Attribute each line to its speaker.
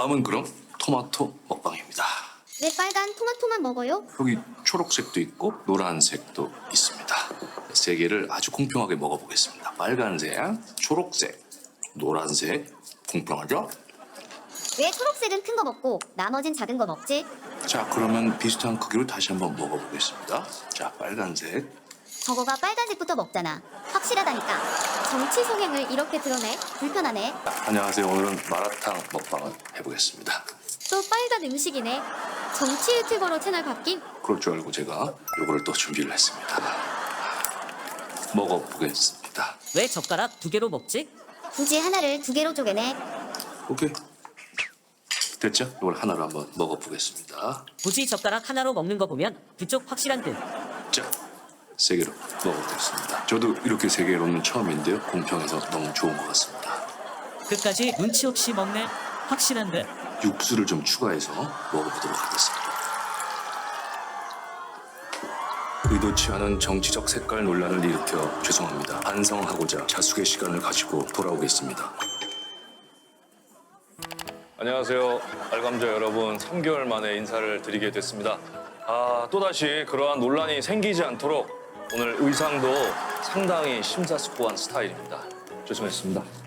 Speaker 1: 다음은 그럼 토마토 먹방입니다.
Speaker 2: 왜 빨간 토마토만 먹어요?
Speaker 1: 여기 초록색도 있고 노란색도 있습니다. 세 개를 아주 공평하게 먹어보겠습니다. 빨간색, 초록색, 노란색. 공평하죠?
Speaker 2: 왜 초록색은 큰 거 먹고 나머진 작은 거 먹지?
Speaker 1: 자, 그러면 비슷한 크기로 다시 한번 먹어보겠습니다. 자, 빨간색.
Speaker 2: 저거가 빨간색부터 먹잖아. 확실하다니까. 정치 성향을 이렇게 드러내? 불편하네.
Speaker 1: 안녕하세요. 오늘은 마라탕 먹방을 해보겠습니다.
Speaker 2: 또 빨간 음식이네. 정치 유튜버로 채널 바뀐?
Speaker 1: 그럴 줄 알고 제가 요거를 또 준비를 했습니다. 먹어보겠습니다.
Speaker 3: 왜 젓가락 2개로 먹지?
Speaker 2: 굳이 하나를 2개로 쪼개네.
Speaker 1: 오케이. 됐죠? 이걸 하나로 한번 먹어보겠습니다.
Speaker 3: 굳이 젓가락 하나로 먹는 거 보면 그쪽 확실한 듯.
Speaker 1: 자, 세 개로 먹어보겠습니다. 저도 이렇게 세 개로는 처음인데요. 공평해서 너무 좋은 것 같습니다.
Speaker 3: 끝까지 눈치 없이 먹네. 확실한 듯.
Speaker 1: 육수를 좀 추가해서 먹어보도록 하겠습니다. 의도치 않은 정치적 색깔 논란을 일으켜 죄송합니다. 반성하고자 자숙의 시간을 가지고 돌아오겠습니다.
Speaker 4: 안녕하세요. 알감자 여러분, 3개월 만에 인사를 드리게 됐습니다. 또다시 그러한 논란이 생기지 않도록 오늘 의상도 상당히 심사숙고한 스타일입니다. 조심했습니다.